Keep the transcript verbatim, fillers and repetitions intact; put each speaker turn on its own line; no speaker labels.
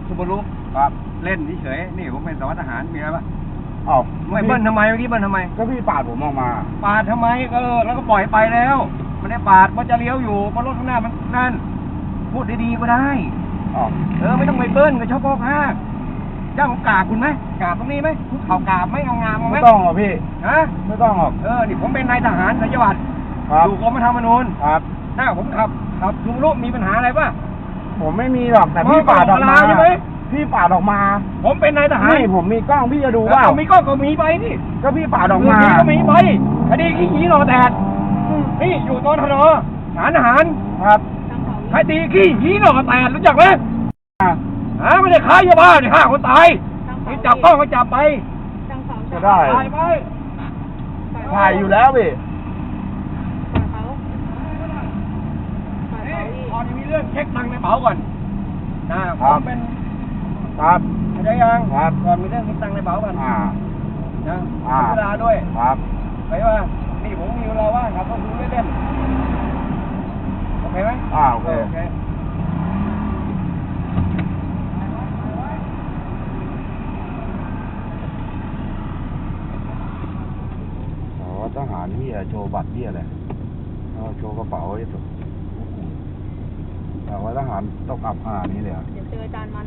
ซูบารุ
ครับ
เล่นเฉยๆนี่ผมเป็นสารวัตรทหารมีอะไรปะ
เอ้า
ไม่เบิ้ลทำไมเมื่อกี้เบิ้ลทำไม
ก็พี่ปาดผมออกมา
ปาดทำไมเออแล้วก็ปล่อยไปแล้วไม่ได้ปาดมันจะเลี้ยวอยู่เพราะรถข้างหน้ามันนั่นพูดดีๆก็ได้
อ๋อ
เออไม่ต้องไปเบิ้ลกับชอบพ่อค้าเจ้าของกราบคุณไหมกราบตรงนี้ไหมคุกเข่ากราบไหมเอางามเอาไหม
ไม่ต้องหรอกพี่
ฮะ
ไม่ต้องหรอก
เออนี่ผมเป็นนายทหารสัญญวัตร
ครับ
อยู่กรมธรรมนูญ
ครับ
ถ้าผมขับขับลุงลุมีปัญหาอะไรป่ะ
ผมไม่มีหรอกแต่พี่ปาดออกมา
ใช่ไหม
พี่ปาดออกมา
ผมเป็นนายทหาร
นี่ผมมีกล้องพี่จะดู
เออ
ว่า
ก็มีก็ก็มีไปนี่
ก็พี่ปาดออกมา
ก็มีไปคดีขี้หีหนอแดดนี่อยู่ตอนทนฐานทหาร
ครับ
คดีขี้หีหนอแดดรู้จักไหม
อ่ะ
ฮะไม่ได้ค้ายาบ้าเนี่ยฆ่าคนตายนี่จับต้องก็จับไป
ก็ได้
ตายไป
ถ่ายอยู่แล้วพี่
นี่พอจะมีเรื่องเช็คตังค์ในเป๋าก่อนนะผมเป็น
ครับ
เข้าใจยัง
ครับ
ก่อนมีเรื่องเช็คตังค์ในเป๋าก่อน
อ่า
นะ
อ่า
เวลาด้วย
ครับ
ไปว่านี่ผมมีเวลาว่างครับต้องดูเล่นๆโอเคไหม
อ่าโอเค
โอเค
อ๋อทหารพี่โชว์บัตรพี่อะไรเอาโชว์กระเป๋าไอ้สุดแต่ว่าทหารต้องอับขนาดนี้เลยเหรอ
เดี๋ยวเจออาจารย์มัน